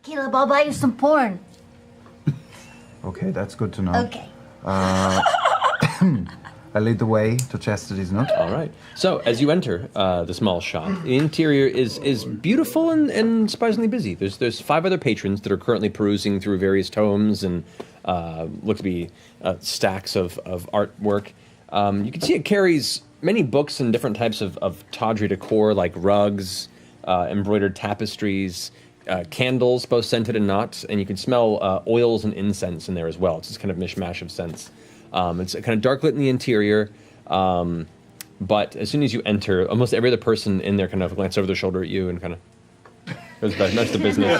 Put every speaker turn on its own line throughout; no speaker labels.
Caleb, I'll buy you some porn.
Okay, that's good to know.
Okay.
I lead the way to Chastity's nook.
All right. So, as you enter the small shop, the interior is beautiful and surprisingly busy. There's 5 other patrons that are currently perusing through various tomes and look to be stacks of artwork. You can see it carries many books and different types of tawdry decor, like rugs, embroidered tapestries, candles, both scented and not, and you can smell oils and incense in there as well. It's this kind of mishmash of scents. It's kind of dark lit in the interior, but as soon as you enter, almost every other person in there kind of glances over their shoulder at you and kind of goes back. That's the business.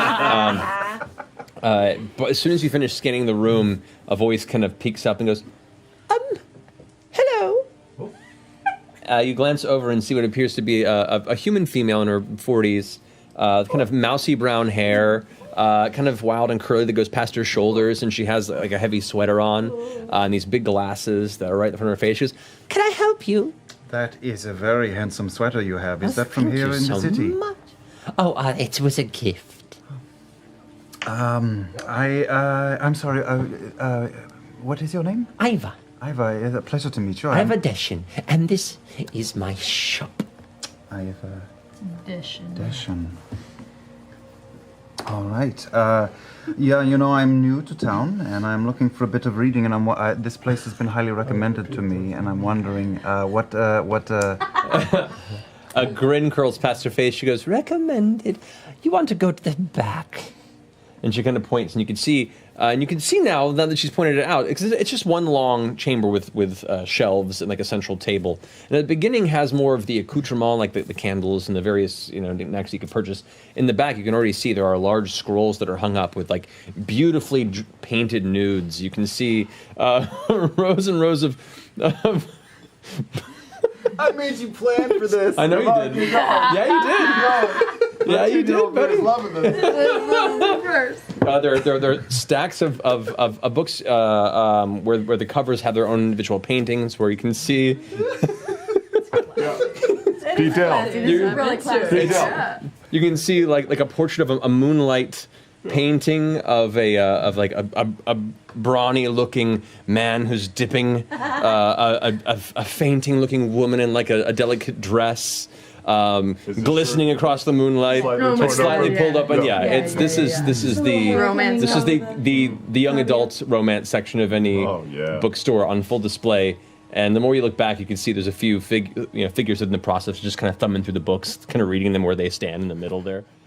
But as soon as you finish scanning the room, a voice kind of peeks up and goes, hello. You glance over and see what appears to be a human female in her 40s, kind of mousy brown hair, kind of wild and curly that goes past her shoulders, and she has like a heavy sweater on, and these big glasses that are right in front of her face. She goes, "Can I help you?"
That is a very handsome sweater you have. Is that from here in the city?
Much. Oh, it was a gift.
I'm sorry. What is your name?
Iva.
Iva, it's a pleasure to meet you.
Iva Deshin, and this is my shop.
Iva
Deshin.
Deshin. All right. Yeah, I'm new to town, and I'm looking for a bit of reading, and this place has been highly recommended to me, and I'm wondering what.
A grin curls past her face. She goes, "Recommended. You want to go to the back?" And she kind of points, and you can see now that she's pointed it out, it's just one long chamber with shelves and like a central table. And at the beginning has more of the accoutrement, like the candles and the various knickknacks you could purchase. In the back, you can already see there are large scrolls that are hung up with like beautifully painted nudes. You can see rows and rows of
I made you plan for this.
I know you did. Yeah, you did. Yeah, you did, buddy.
Loving this.
There are stacks of books where the covers have their own individual paintings, where you can see
Detail.
Really classic.
you can see like a portrait of a moonlight painting of a brawny looking man who's dipping a fainting looking woman in like a delicate dress. Glistening across the moonlight, it's slightly pulled up, and this is the young adult romance section of any bookstore on full display. And the more you look back, you can see there's a few figures in the process, just kind of thumbing through the books, kind of reading them where they stand in the middle there.